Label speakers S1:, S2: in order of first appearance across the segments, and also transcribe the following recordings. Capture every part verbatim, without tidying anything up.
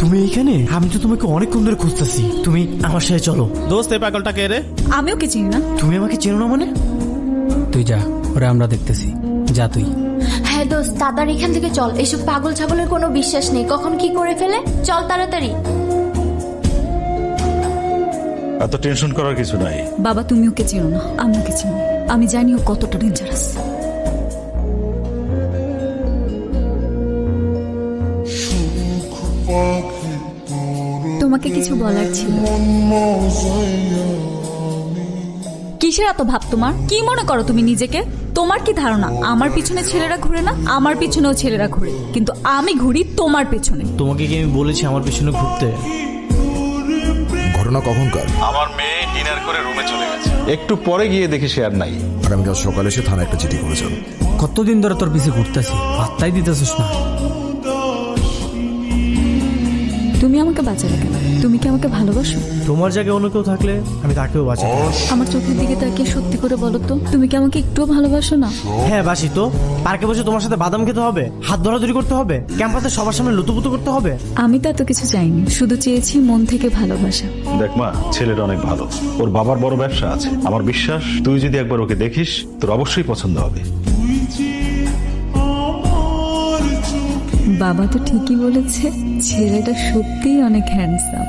S1: তুমি এইখানে? আমি তো তোমাকে অনেকক্ষণ ধরে খুঁজতেছি। তুমি আমার সাথে চলো।
S2: দোস্ত এই পাগলটা কে রে?
S3: আমিও কি চিনি না।
S1: তুমি আমাকে চেনো না মানে?
S4: তুই যা, ওরা আমরা দেখতেছি। যা তুই।
S5: হ্যাঁ দোস্ত, তাড়াতাড়ি এখান থেকে চল। এসব পাগল ছাগলের কোনো বিশ্বাস নেই, কখন কি করে ফেলে। চল তাড়াতাড়ি।
S6: এত টেনশন করার কিছু নাই।
S3: বাবা তুমি ওকে চিনো না, আমি ওকে চিনি। আমি জানি ও কতটা ডেঞ্জারাস। তোমাকে কিছু বলার ছিল। কিসের এত ভাব তোমার? কি মনে করো তুমি নিজেকে? তোমার কি ধারণা আমার পিছনে ছেলেরা ঘুরে না? আমার পিছনেও ছেলেরা ঘুরে, কিন্তু আমি ঘুরি তোমার পেছনে।
S1: তোমাকে কি আমি বলেছি আমার পিছনে ঘুরতে?
S7: ঘটনা কখনকার?
S6: আমার মেয়ে ডিনার করে রুমে চলে গেছে, একটু পরে গিয়ে দেখি সে আর নাই।
S7: আগামীকাল সকালে এসে থানায় একটা চিঠি করেছেন।
S4: কতদিন ধরে তোর পিছে ঘুরতেছি, পাত্তাই দিতেছিস না।
S3: তুমি আমাকে বাঁচালে কেন? তুমি কি আমাকে ভালোবাসো?
S1: তোমার জায়গায় অন্য কেউ থাকলে আমি তাকেও বাঁচাই।
S3: আমার চোখের দিকে তাকিয়ে সত্যি করে বলো তো, তুমি কি আমাকে একটুও ভালোবাসো না?
S1: হ্যাঁ বাসি তো। পার্কে বসে তোমার সাথে বাদাম খেতে হবে, হাত ধরাধরি করতে হবে, ক্যাম্পাসে সবার সামনে লুতুপুতু করতে হবে।
S3: আমি তো এত কিছু চাইনি, শুধু চেয়েছি মন থেকে ভালোবাসা।
S6: দেখ মা, ছেলেটা অনেক ভালো, ওর বাবার বড় ব্যবসা আছে। আমার বিশ্বাস তুই যদি একবার ওকে দেখিস তোর অবশ্যই পছন্দ হবে।
S3: বাবা তো ঠিকই বলেছে, ছেলেটা সত্যিই অনেক হ্যান্ডসাম।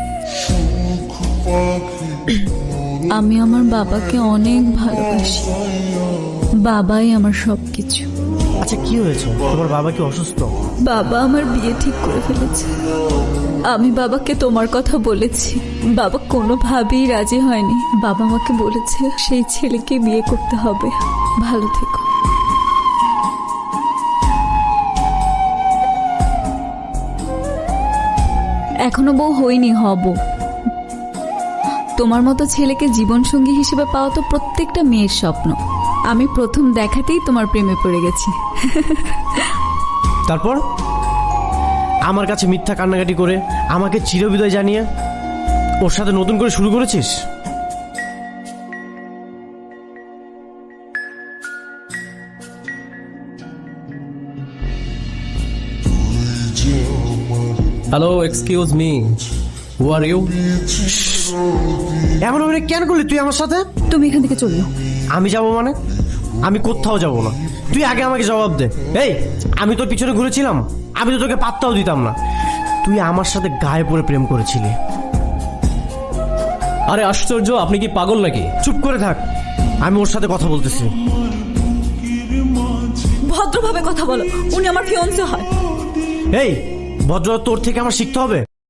S3: আমি আমার বাবাকে অনেক ভালোবাসি। বাবাই আমার সবকিছু।
S1: আচ্ছা কি হয়েছে? তোমার বাবা কি অসুস্থ?
S3: বাবা আমার বিয়ে ঠিক করে ফেলেছে। আমি বাবাকে তোমার কথা বলেছি, বাবা কোনোভাবেই রাজি হয়নি। বাবা আমাকে বলেছে সেই ছেলেকে বিয়ে করতে হবে। ভালো থেকো। এখনো বউ হইনি, হব। তোমার মতো ছেলেকে জীবনসঙ্গী হিসেবে পাওয়া তো প্রত্যেকটা মেয়ের স্বপ্ন। আমি প্রথম দেখাতেই তোমার প্রেমে পড়ে গেছি।
S1: তারপর আমার কাছে মিথ্যা কান্নাকাটি করে আমাকে চিরবিদায় জানিয়ে ওর সাথে নতুন করে শুরু করেছিস?
S2: Hello, excuse me, who are you?
S1: এমন অভিনয় কেন করলি তুই আমার সাথে?
S3: তুমি এখান থেকে চললো।
S1: আমি যাব মানে? আমি কোথাও যাব না। তুই আগে আমাকে জবাব দে। এই, আমি তোর পিছনে ঘুরেছিলাম? আমি তো তোকে পাত্তাও দিতাম না। তুই আমার সাথে গায়ে পড়ে প্রেম করেছিলি।
S2: আরে আশ্চর্য, আপনি কি পাগল নাকি?
S1: চুপ করে থাক, আমি ওর সাথে কথা বলতেছি।
S3: ভদ্রভাবে কথা বলো, উনি আমার ফিয়ন্সে হয়।
S1: এই, ভদ্রতা তোর থেকে আমার শিখতে হবে।